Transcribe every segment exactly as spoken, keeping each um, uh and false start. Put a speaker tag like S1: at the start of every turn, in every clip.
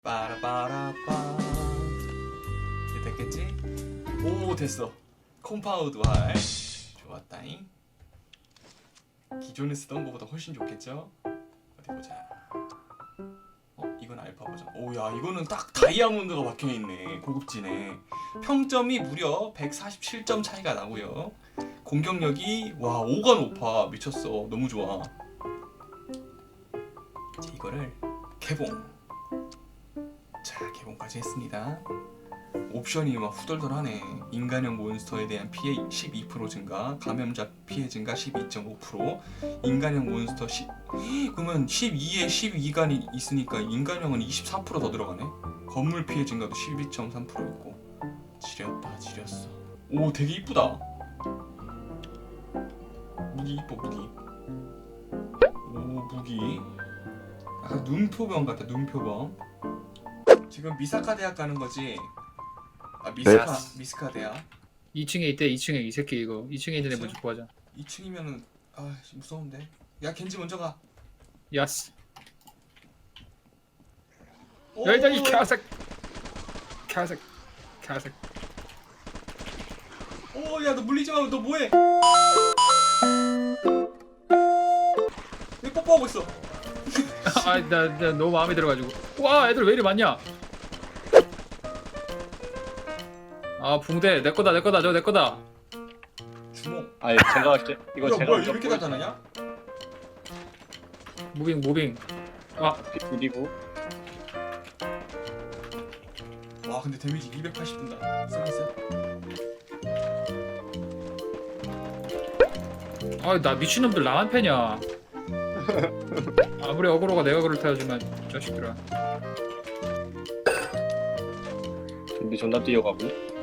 S1: 빠라빠라빠. 이제 됐겠지? 오, 됐어. 컴파운드 활 좋았다잉. 기존에 쓰던 거보다 훨씬 좋겠죠? 어디 보자. 어, 이건 알파 버전. 오야, 이거는 딱 다이아몬드가 박혀있네. 고급지네. 평점이 무려 백사십칠 점 차이가 나고요. 공격력이 와 오가 높아. 미쳤어. 너무 좋아. 이제 이거를 개봉. 자, 개봉까지 했습니다. 옵션이 막 후덜덜하네. 인간형 몬스터에 대한 피해 십이 퍼센트 증가, 감염자 피해 증가 십이 점 오 퍼센트, 인간형 몬스터 십 그러면 십이에 십이가 있으니까 인간형은 이십사 퍼센트 더 들어가네. 건물 피해 증가도 십이 점 삼 퍼센트 있고. 지렸다, 지렸어. 오, 되게 이쁘다. 무기 이뻐, 무기. 오, 무기. 약간 눈표범 같다, 눈표범. 지금 미사카 대학 가는 거지? 아, 미스카,
S2: 네.
S1: 미스카 대학.
S3: 이 층에 있대. 이 층에 이 새끼 이거. 이 층에 있는 애 먼저 구하자.
S1: 이 층이면은 아 무서운데. 야, 겐지 먼저 가.
S3: 야스.
S1: 오,
S3: 야, 일단 이 개색. 개색. 개색.
S1: 오, 야, 너 물리지 마. 너 뭐해? 왜 뽀뽀하고 있어?
S3: 아, 나, 나 너무 마음에 들어가지고. 와, 애들 왜 이리 많냐? 아, 붕대 내 거다, 내 거다, 저 내 거다.
S1: 주먹.
S2: 아니 제가 할게. 이거
S1: 야,
S2: 제가
S1: 뭐야,
S2: 먼저
S1: 이렇게 나타나냐?
S3: 무빙, 무빙. 아,
S2: 그리고
S1: 와, 근데 데미지 이백팔십 든다. 서비스.
S3: 아, 나 미친놈들 나만 패냐? 아무리 어그로가 내가 그럴 테지만 자식들아.
S2: 준비 존나 뛰어가고.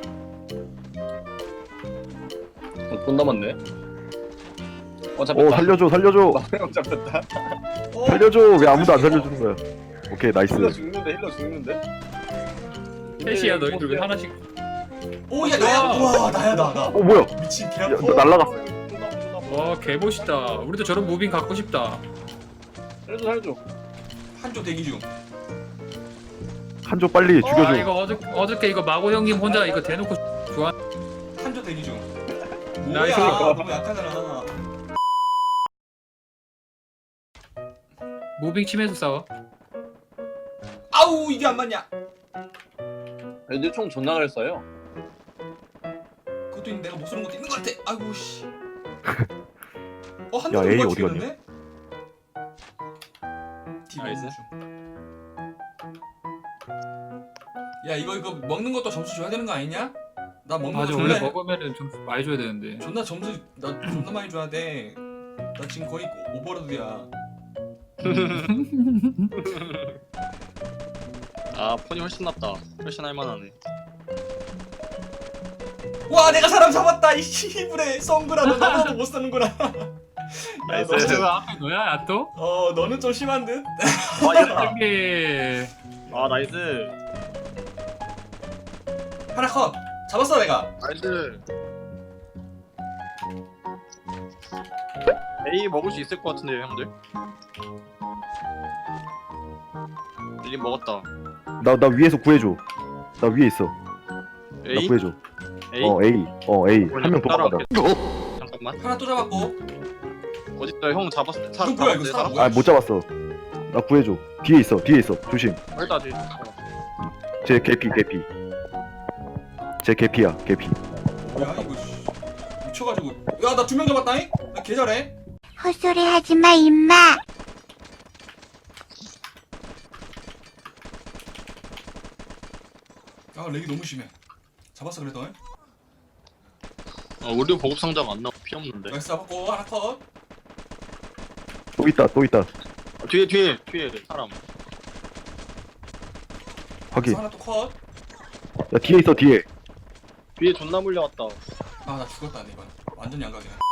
S2: 어, 돈 남았네. 어 잡혔다.
S4: 오 살려줘 살려줘
S2: 형 잡혔다.
S1: 어,
S4: 살려줘 왜 아무도 안 살려주는 거야. 오케이 나이스.
S2: 힐러 죽는데 힐러 죽는데.
S3: 셋이야 너희들 왜 하나씩.
S1: 오, 야, 나야. 와, 나야, 나, 나.
S4: 어 뭐야
S1: 미친 개
S4: 야,
S1: 아파.
S4: 나 날라갔어.
S3: 와, 개멋있다. 우리도 저런 무빙 갖고 싶다.
S2: 살려줘 살려줘.
S1: 한조 대기 중.
S4: 한조 빨리
S3: 아,
S4: 죽여줘.
S3: 이거 어저, 어저께 이거 마고 형님 혼자 이거 대놓고 좋아.
S1: 한조 대기 중.
S3: 나이스.
S1: 뭐야, 너무 약하잖아.
S3: 무빙 치면서 싸워.
S1: 아우, 이게 안 맞냐?
S2: 애들 총 존나 잘 써요.
S1: 그것도 있는데 내가 못 쓰는 것도 있는 것 같아. 아이고 씨. 어, 한
S4: 야,
S1: 명
S4: A
S1: 누가
S4: 어디 갔냐?
S1: 죽였는데?
S2: 나이스.
S1: 야, 이거 이거 먹는 것도 점수 줘야 되는 거 아니냐? 나 먹는 거
S3: 맞아,
S1: 존나
S3: 원래 먹으면은 좀 많이 줘야 되는데.
S1: 존나 점수 나 존나 많이 줘야 돼. 나 지금 거의 오버로드야.
S5: 아 폰이 훨씬 낫다. 훨씬 할만하네.
S1: 와, 내가 사람 잡았다. 이 씨부레 성그라. 너 나도 못 사는구나. 야,
S5: 나이스.
S1: 너,
S3: 저거 앞에 너야, 야 또?
S1: 어, 너는 좀 심한 듯.
S5: 아 이겼다.
S3: 이게
S5: 아 나이스.
S1: 하나 컷. 잡았어 내가.
S5: 나이스. A 먹을 수 있을 것 같은데요 형들. 일 먹었다.
S4: 나 나 위에서 구해줘. 나 위에 있어. 나
S5: A?
S4: 구해줘.
S5: A?
S4: 어 A 어 A 한 명 도망간다.
S5: 따라갈게. 잠깐만.
S1: 하나 또 잡았고.
S5: 어딨다 형 잡았어. 사,
S1: 이거 뭐야, 이거 사람 뭐야?
S4: 아 못 잡았어. 나 구해줘. 뒤에 있어 뒤에 있어 조심.
S5: 일단 뒤.
S4: 제 개피 개피. 제 개피야 개피.
S1: 야, 이거 씨. 미쳐가지고. 야, 나 두 명 잡았다잉. 나 개 잘해.
S6: 헛소리 하지 마, 임마.
S1: 아, 렉이 너무 심해. 잡았어 그래도.
S5: 어 우리 보급 상자가 안 나와. 피 없는데.
S1: 렉스 잡았고 하나 컷.
S4: 또 있다 또 있다.
S5: 어, 뒤에 뒤에 뒤에 사람.
S4: 확인.
S1: 하나 또 컷.
S4: 야 뒤에 있어 뒤에.
S5: 뒤에 존나 물려왔다.
S1: 아, 나 죽었다 근데 이건 완전 양각이네.